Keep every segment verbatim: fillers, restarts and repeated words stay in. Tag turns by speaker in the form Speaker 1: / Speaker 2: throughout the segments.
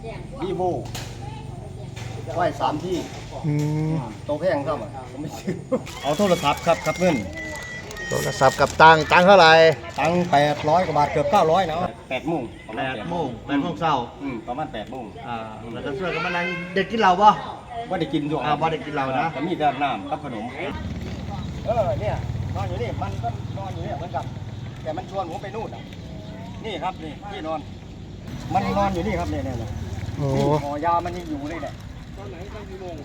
Speaker 1: วีโวไหวสามที่
Speaker 2: อืม
Speaker 1: โตแพงครับอ่ะผมไม่ซื้อเอาโทรศัพท์ครับครับเงิน
Speaker 2: โทรศัพท์กับตังค์ตังค์เท่าไหร่
Speaker 1: ตังแปดร้อยกว่าบาทเกือบเก้าร้อยนะแปดโมงประมาณ
Speaker 2: แปดโมงแปดโมงเช้า
Speaker 1: อืมประมาณแปดโมง
Speaker 2: อ่าแล้วก็ช่วยกันมานั่งเด็กกินเหล้าป่ะ
Speaker 1: ว่าได้กินด้วย
Speaker 2: อ่าบ่ได้กินเหล้านะ
Speaker 1: แต่มีแต่น้ำกับขนมเออเนี่ยนอนอยู่นี่มันก็นอนอยู่เนี่ยเหมือนกันแต่มันชวนผมไปนู่นอ่ะนี่ครับนี่ที่นอน มันนอนอยู่นี่ครับเนี่ยเนี่ยเนี่ย
Speaker 2: โอ้
Speaker 1: นี่หอยามันยังอยู่เลยเนี่ยตอนไหนตอนกี่โมง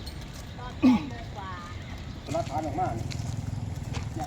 Speaker 1: รักฐานออกมาเนี่ย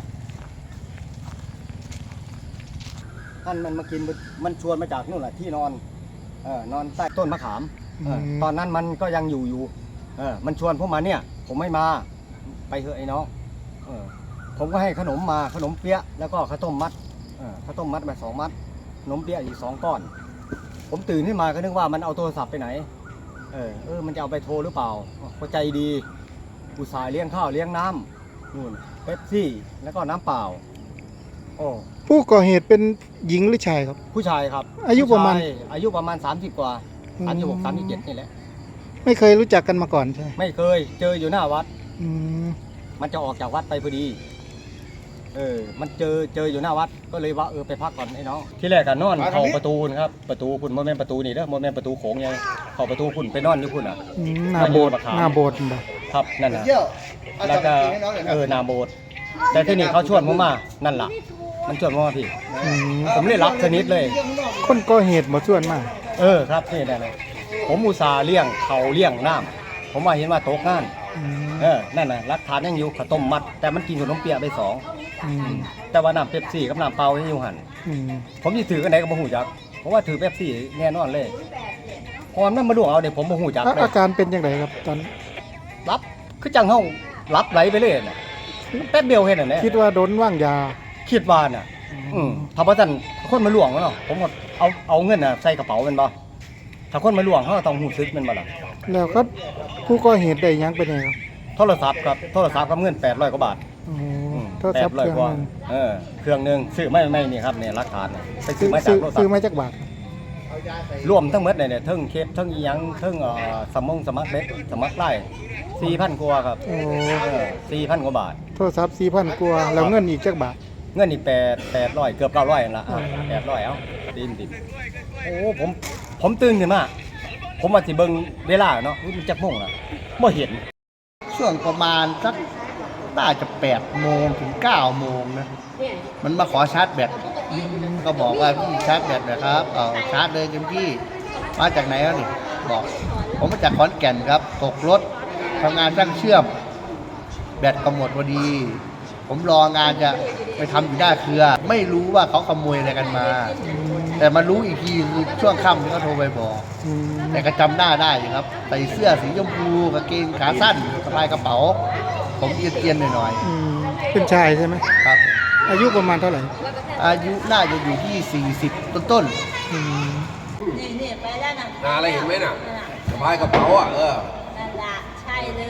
Speaker 1: ท่านมันมากินมันชวนมาจากนู่นแหละที่นอนเออนอนใต้ต้นมะขามเออตอนนั้นมันก็ยังอยู่อยู่เออมันชวนผมมาเนี่ย ผมไม่มาไปเถอะไอ้น้องเออผมก็ให้ขนมมาขนมเปี๊ยะแล้วก็ข้าวต้มมัดเออข้าวต้มมัดมาสองมัดขนมเปี๊ยะอีกสองก้อนผมตื่นขึ้นมาก็นึกว่ามันเอาโทรศัพท์ไปไหนเออเออมันจะเอาไปโทรหรือเปล่าก็ใจดีอุตส่าห์เลี้ยงข้าวเลี้ยงน้ำนู่นเป๊ปซี่แล้วก็น้ำเปล่าโอ้
Speaker 2: ผู้ก่อเหตุเป็นหญิงหรือชายครับ
Speaker 1: ผู้ชายครับ
Speaker 2: อายุประมาณ
Speaker 1: ผู้ชยอายุประมาณสามสิบกว่า
Speaker 2: อืม
Speaker 1: สามสิบหกสามสิบเจ็ดนี่แหละ
Speaker 2: ไม่เคยรู้จักกันมาก่อนใช่ไหม
Speaker 1: ไม่เคยเจออยู่หน้าวัด
Speaker 2: อืม
Speaker 1: มันจะออกจากวัดไปพอดี เออ มันเจอเจออยู่หน้าวัด ก็เลยว่าเออไปพักก่อนไอ้น้อง ที่แรกกันนอนเข้าประตูนะครับ ประตูคุณโมเมนประตูนี่เด้อโมเมนประตูโขงไงเข้าประตูคุณไปนอนอยู่คุณอ่ะ
Speaker 2: อืมหน้าโบสถ์หน้าโบสถ์บ่
Speaker 1: ครับนั่นนะแล้วก็เออนาโบสถ์แต่ที่นี่เขาชวนผมมา นั่นล่ะ มันชวนผมมาพี่
Speaker 2: อืม
Speaker 1: ผมเลยรับชนิดเลย
Speaker 2: คนก่อเหตุบ่ชวนมา
Speaker 1: เออครับนี่นั่นนะผมอุตส่าห์เลี้ยงเขาเลี้ยงน้ำผมว่าเห็นว่าตกงาน
Speaker 2: อืม
Speaker 1: เออ นั่นน่ะรักฐานยังอยู่ข้าวต้มมัด แต่มันกินขนมเปี๊ยะไปสอง
Speaker 2: อืม
Speaker 1: แต่ว่าน้ำเป๊ปซี่กับน้ำเปล่ายังอยู่หัน
Speaker 2: อืม
Speaker 1: ผมจะถือกันไหนก็บ่หูจักเพราะว่าถือเป๊ปซี่แน่นอนเลยพอมันมาล่วงเอาเนี่ยผมบ่หูจัก
Speaker 2: อ่ะ
Speaker 1: เลย
Speaker 2: อาการเป็นยังไงครับตอน
Speaker 1: รับคือจังเฮารับไหลไปเลยน่ะแป๊บเดียวเห็นน่ะแหละ
Speaker 2: คิดว่าโดนว่างยา
Speaker 1: คิดว่าน่ะ อืมถ้าบ่ซั่นคนมาล่วงเนาะผมก็เอาเอาเงินน่ะใส่กระเป๋าแม่นบ่ถ้าคนมาล่วงเฮาก็ต้องหูซึกแม่นบ่ล่ะ
Speaker 2: แล้วก็ผู้ก่อเหตุได้หยังเป็นไงครับ
Speaker 1: โทรศัพท์ครับโทรศัพท์กับเงินแปดร้อยกว่าบาท
Speaker 2: โอ้
Speaker 1: อืม
Speaker 2: โทรศัพท์
Speaker 1: แปดร้อย
Speaker 2: เครื่อง
Speaker 1: กว่า
Speaker 2: หนึง
Speaker 1: เออเครื่องหนึงซื้อไม่ไม่นี่ครับเนี่ยหลักฐานน่ะไปซื้
Speaker 2: ซื้
Speaker 1: อ
Speaker 2: อ
Speaker 1: มาจาก
Speaker 2: ซื้อ
Speaker 1: โทรศัพ
Speaker 2: ซื้อ
Speaker 1: ท์
Speaker 2: มาจากบาท
Speaker 1: รวมทั้งหมดเนี่ยเนี่ยเทั้งเคปเทั้งอีหยังเทั้งเอ่อสมงสมัครเล็กสมัครไล่สี่พันกว่าครับ
Speaker 2: โอ้
Speaker 1: สี่พันกว่าบาท
Speaker 2: โทรศัพท์สี่พันกว่าแล้วเงินอีกจักบาท
Speaker 1: เงินอีกแปดแปดร้อยเกือบเก้าร้อยนั่นละ
Speaker 2: อืม
Speaker 1: แปดร้อยเอ้าดินดินโอ้ผมผมตื่นขึ้นมาผมมาสิเบิ่งเวลาเนาะอุ๊ยมันจักโมงละบ่เห็น
Speaker 3: ช่วงประมาณสักน่าจะแปดโมงถึงเก้าโมงนะ มันมาขอชาร์จแบตก็บอกว่าพี่ชาร์จแบตนะครับเอาชาร์จเลยเต็มที่มาจากไหนแล้วนี่บอก ผมมาจากขอนแก่นครับ ตกรถทำงานช่างเชื่อม แบตก็หมดพอดี ผมรองานจะไปทำอยู่หน้าเครือ ไม่รู้ว่าเขาขโมยอะไรกันมา แต่มารู้อีกทีคือช่วงค่ำที่เขาโทรไปบอก
Speaker 2: อืม
Speaker 3: แต่ก็จำหน้าได้อยู่ครับใส่เสื้อสีชมพูกางเกงขาสั้นสะพายกระเป๋า ผมเอียนๆหน่อย
Speaker 2: อืมเป็นชายใช่ไหม
Speaker 3: ๆครับ
Speaker 2: อายุประมาณเท่าไหร่
Speaker 3: อายุน่าจะอยู่ที่สี่สิบต้น
Speaker 2: อืม
Speaker 4: นี่นี่ไปแล้วนะ
Speaker 5: นาอะไรเห็นไหมน่ะ
Speaker 4: นั่นน่ะ
Speaker 5: สะพายกระเป๋าอ่ะเออ
Speaker 4: นั่นละใช่เลย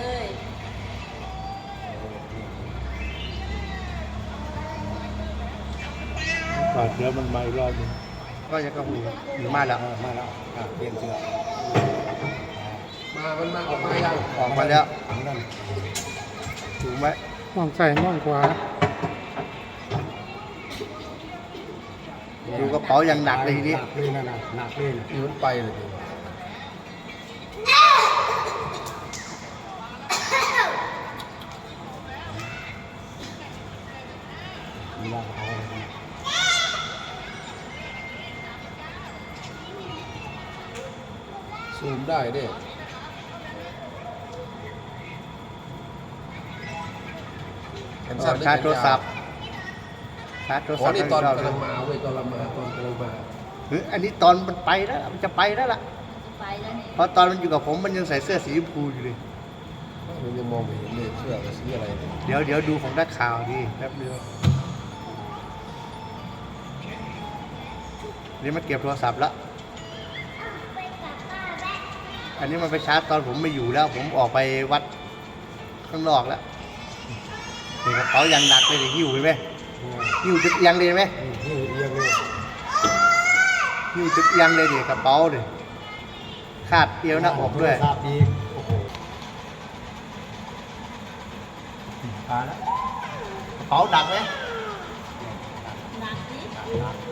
Speaker 2: ปาดแล้วมันมาอีกรอบนึง
Speaker 3: ๆก็ยังก็มีมาแล้ว
Speaker 1: มาแล้วอ่ะเปลี่ยนเสื้อ
Speaker 5: มา มันมาออกมายัง
Speaker 3: ออกมาแล้ว
Speaker 1: นั่น
Speaker 3: ถูกไหม
Speaker 2: มองซ้ายมองขวา
Speaker 3: ดูกระเป๋าอย่างหนักเลยทีนี้
Speaker 1: หนักเลยนั่นน่ะหนักเลยน่ะ
Speaker 5: ยืนไปเลยดิ
Speaker 1: มีว่าเอาอะไรกัน
Speaker 5: ซูมได้ดิ
Speaker 3: ชาร์จโทรศัพท์ชาร์จโทร
Speaker 5: อ๋
Speaker 3: ศั
Speaker 5: อ
Speaker 3: พท์
Speaker 5: นี่ตอน
Speaker 3: ให้
Speaker 5: กำลัง
Speaker 3: เรา
Speaker 5: มาเว้ยตอนเรามาตอนกำลังมา
Speaker 3: เฮ้ยอันนี้ตอนมันไปแล้วมันจะไปแล้วล่ะ
Speaker 4: ไปแล้วนี่
Speaker 3: เพราะตอนมันอยู่กับผมมันยังใส่เสื้อสีชมพูอยู่เลย
Speaker 5: มันยังมองไม่เห็นเลยเสื้อกับสีอะไรเนี่ย
Speaker 3: เดี๋ยวเดี๋ยวดูของนักข่าวดีแป๊บเดียวนี่มันเก็บโทรศัพท์แล้ว อันนี้มันไปชาร์จตอนผมไม่อยู่แล้ว ผมออกไปวัดข้างนอกแล้วนี่กระเป๋ายังหนักเลยดิหิ้วไปไหมหิ้วจุดเอียงเลยไหม
Speaker 1: นี่เอียงเลย
Speaker 3: หิ้วจุดเอียงเลยดิกระเป๋าดิคาดเอวหน้าอกด้วย
Speaker 1: ทราบดีโอ้โหมาแล้ว
Speaker 3: กระเป๋าดักไหม
Speaker 4: หนักดิ
Speaker 1: หนัก